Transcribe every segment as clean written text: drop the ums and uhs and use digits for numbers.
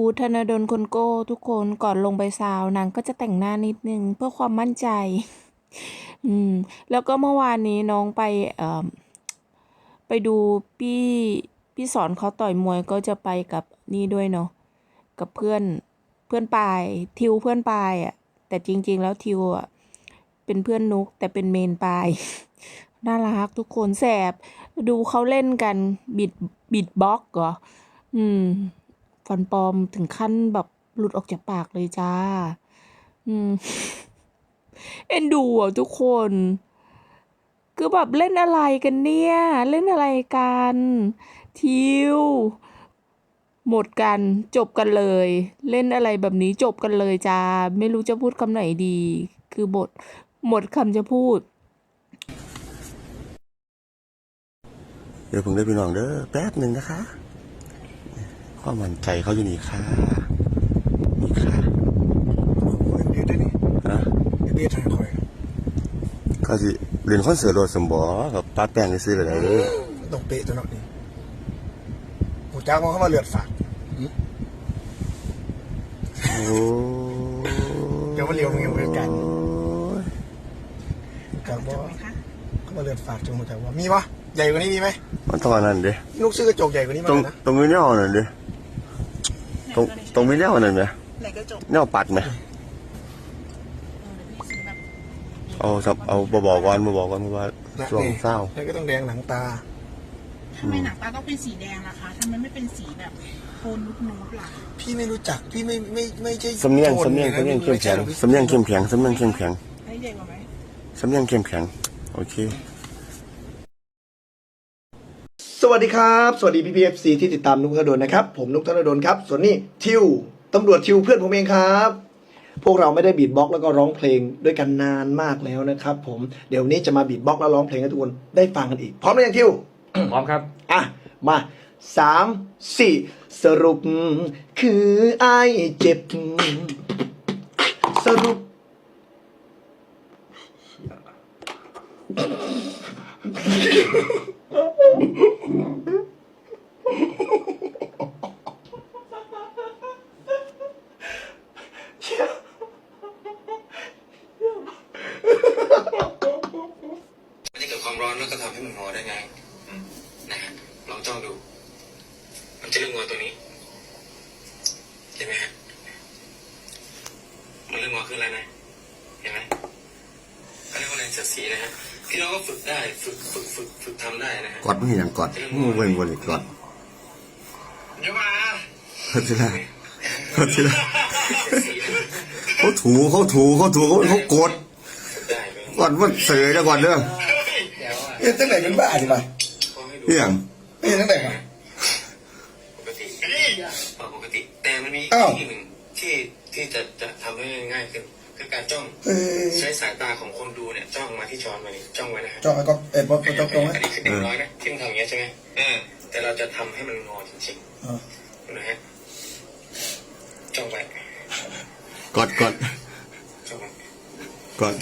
ธนดลคนโก้ทุกคนก่อนลงไปซาวนางก็จะแต่งหน้านิดนึงเพื่อความมั่นใจอืมแล้วก็เมื่อวานนี้น้องไปดูพี่สอนเขาต่อยมวยก็จะไปกับนี่ด้วยเนาะกับเพื่อนปายทิวเพื่อนปายอ่ะแต่จริงๆแล้วทิวอ่ะเป็นเพื่อนนุกแต่เป็นเมนปายน่ารักทุกคนแสบดูเขาเล่นกันบิดบ็อกเหรอฟันปลอมถึงขั้นแบบหลุดออกจากปากเลยจ้าเอ็นดูอ่ะทุกคนคือแบบเล่นอะไรกันเนี่ยเล่นอะไรกันทิวหมดกันจบกันเลยเล่นอะไรแบบนี้จบกันเลยจ้าไม่รู้จะพูดคำไหนดีคือบทหมดคำจะพูดเดี๋ยวผมได้พี่น้องเด้อแป๊บหนึ่งนะคะความมั่นใจเขาอยู่นี่ค่ะนี่ค่ะเดี๋ยวได้นี่ฮะเดี๋ยวถ่ายคอยก็สิเรียนคอนเสิร์ตโรดสมบอกับป้าแป้งซื้อเลยต้องเป๊ะตัวนักนี่หูจ้างมันเข้ามาเลือดฝากโอ้เดี๋ยวมาเลี้ยวมึงยังไม่กันแต่ว่าเข้ามาเลือดฝากจงหัวใจว่ามีปะใหญ่กว่านี้มีไหมมันต้องอันนั้นดิลูกซื้อกระจกใหญ่กว่านี้มานะตรงนี้เนี่ยเอาหน่อยดิตรงนี้เนี่ยเอาหน่อยไหมเนี่ยปัดไหมเอาบอกก่อนว่าช่วงเศร้าแล้วก็ต้องแดงหนังตาทำไมหนังตาต้องเป็นสีแดงล่ะคะทำไมไม่เป็นสีแบบโทนนุ๊ดล่ะพี่ไม่รู้จักพี่ไม่ใช่สำเนียงเข้มแข็งสำเนียงเข้มแข็งให้ใหญ่กว่าไหมสำเนียงเข้มแข็งโอเคสวัสดีครับสวัสดีพี่ๆ FC ที่ติดตามนุกธนดลนะครับผมนุกธนดลครับส่วนนี้ทิวตำรวจทิวเพื่อนผมเองครับพวกเราไม่ได้บีทบ็อกซ์แล้วก็ร้องเพลงด้วยกันนานมากแล้วนะครับผมเดี๋ยวนี้จะมาบีทบ็อกซ์แล้วร้องเพลงให้ทุกคนได้ฟังกันอีกพร้อมหรือยังทิวพร้อมครับอ่ะมา3-4สรุปคือไอ้เจ็บสรุปมันจะเกิดความร้อนแล้วก็ทำให้มันงอได้ไงนะฮะลองจ้องดูมันจะเริ่มงอตัวนี้เห็นไหมฮะมันเริ่มงอขึ้นแล้วนะเห็นไหมเขาเรียกว่าแรงเสียดสีนะฮะพี่น้องก็ฝึกได้ฝึกทำได้นะฮะกอดไม่อย่างกอดเว้นวนอีกกอดเดี๋ยวมาทีละเขาถูเขากดก่อนว่าเสยแล้วก่อนเด้อเอ๊ะตั้งไหนเป็นบ้าดิมาเรื่องเอ๊ะตั้งไหนมาปกติแต่มันมีที่หนึ่งที่จะทำให้ง่ายขึ้นคือการจ้องใช้สายตาของคนดูเนี่ยจ้องมาที่ช้อนมานี่จ้องไว้นะจ้องแล้วก็พอจ้องไหมอันนี้คือเด็กน้อยนะที่มันทำอย่างเงี้ยใช่ไหมแต่เราจะทำให้มันงอจริงๆนะฮะจ้องไว้กอดจ้องไว้กอด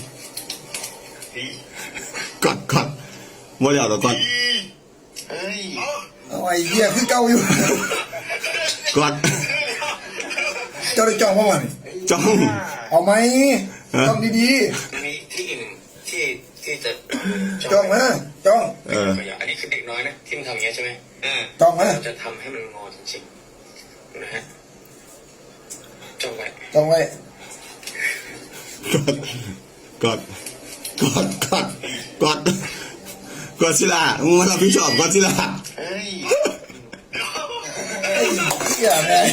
บ่แล้วก่อนเฮ้ยเอาไอ้เหี้ยคือเก่าอยู่กอดเจ้าได้จ้องเพราะมันจ้องเอาไหมจ้องดีๆมีที่หนึ่งที่จะจ้องนะจ้องอันนี้คือเด็กน้อยนะที่มันทำอย่างเงี้ยใช่ไหมจ้องนะเราจะทำให้มันงอจริงๆนะฮะจ้องไว้กอดสิล่ะมึงมารับผิดชอบกอดสิล่ะเฮ้ยอย่าแม่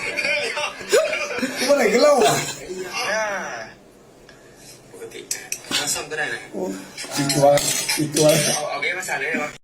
เมื่อไหร่ก็เล่าอ่ะปกติถ้าซ่อมก็ได้นะอีกตัวเอาเกมมาใส่เลยเหรอ